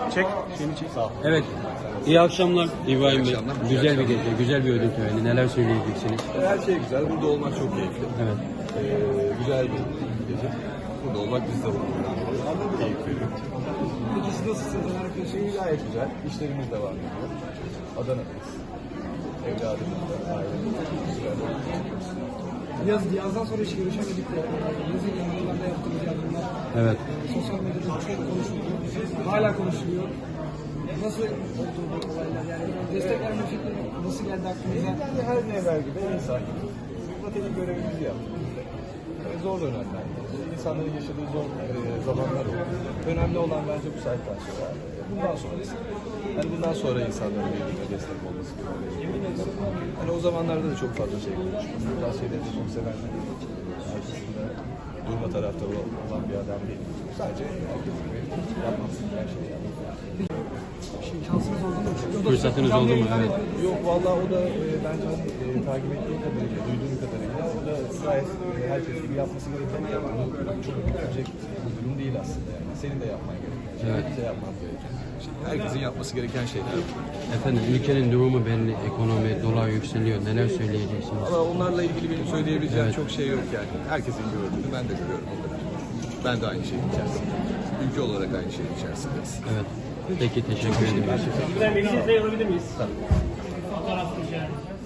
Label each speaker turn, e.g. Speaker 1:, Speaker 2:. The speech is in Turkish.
Speaker 1: Çek. Şeyini çek. Sağ ol.
Speaker 2: Evet. İyi akşamlar İbrahim Bey.
Speaker 3: akşamlar.
Speaker 2: Güzel bir gece, güzel bir ödül töreni. Neler söyleyeceksiniz?
Speaker 3: Her şey güzel. Burada olmak çok keyifli.
Speaker 2: Evet.
Speaker 3: Güzel bir gece. Burada olmak bizde keyif veriyor.
Speaker 1: Peki siz nasılsınız?
Speaker 3: Şey gayet güzel. İşlerimiz devam ediyor. Adana'dayız. Evladımız da, ailemiz de güzel.
Speaker 1: Yazdan sonra hiç görüşemedik de yazın yanlarında yaptığımız yardımlar
Speaker 2: Evet.
Speaker 1: sosyal medyada çok konuşuluyor. Hala konuşuluyor. Nasıl oldu bu olaylar? Yani destek verme fikri nasıl geldi aklınıza?
Speaker 3: Yani her ne evvel gibi insan gibi. Vatani görevimizi yaptık. Zor dönemler. İnsanların yaşadığı zor zamanlar oldu. Önemli olan bence bu saatten sonra. Bundan sonrası. Yani bundan sonra insanların birbirine destek olması gerekiyor. Hani o zamanlarda da çok fazla şey konuştuk. Bu tarz şeyleri de çok sevenler. Arkasında durma taraftarı olan bir adam değil. Sadece herkes gibi yapmak her şeyi yapmak.
Speaker 1: Şansınız oldu mu?
Speaker 2: Fırsatınız oldu mu? Evet.
Speaker 3: Yok vallahi o da bence takip ettiğim kadarıyla, duyduğum kadarıyla o da gayet herkes gibi yapması gereken bir yaptı. Çok büyütecek bir durum değil aslında yani. Senin de yapman gereken şey, herkese yapman gereken şey. Herkesin yapması gereken şeyler.
Speaker 2: Efendim ülkenin durumu belli. Ekonomi, dolar yükseliyor. Neler söyleyeceksiniz?
Speaker 3: Ama onlarla ilgili benim söyleyebileceğim çok şey yok yani. Herkesin gördüğünü ben de görüyorum o kadar. Ben de aynı şeyin içerisindeyim. Ülke olarak aynı şeyin içerisindeyiz.
Speaker 2: Evet. Peki teşekkür ederim.
Speaker 4: Bir de alabilir miyiz? Tabii. Fotoğraf rica edeceğim.